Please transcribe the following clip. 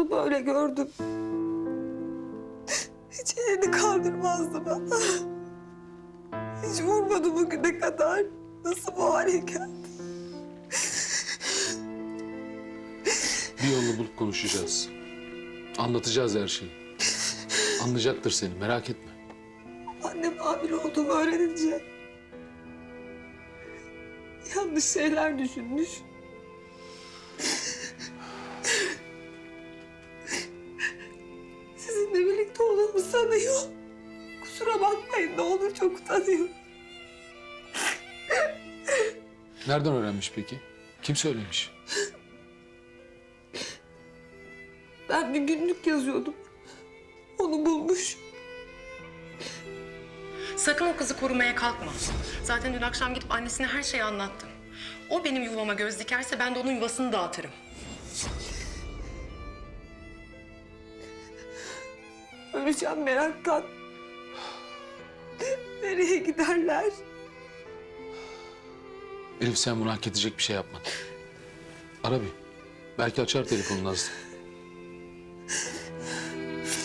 Onu böyle gördüm. Hiç elini kaldırmazdı bana. Hiç vurmadı bugüne kadar. Nasıl bu hale geldi? Bir yolunu bulup konuşacağız. Anlatacağız her şeyi. Anlayacaktır seni, merak etme. Annem hamile olduğumu öğrenince yanlış şeyler düşünmüş. Sizinle birlikte olduğumu sanıyor. Kusura bakmayın, ne olur, çok utanıyorum. Nereden öğrenmiş peki? Kim söylemiş? Ben bir günlük yazıyordum. Onu bulmuş. Sakın o kızı korumaya kalkma. Zaten dün akşam gidip annesine her şeyi anlattım. O benim yuvama göz dikerse ben de onun yuvasını dağıtırım. Öleceğim meraktan. Nereye giderler? Elif sen bunu hak edecek bir şey yapmadın. Ara bir. Belki açar telefonunu Nazlı.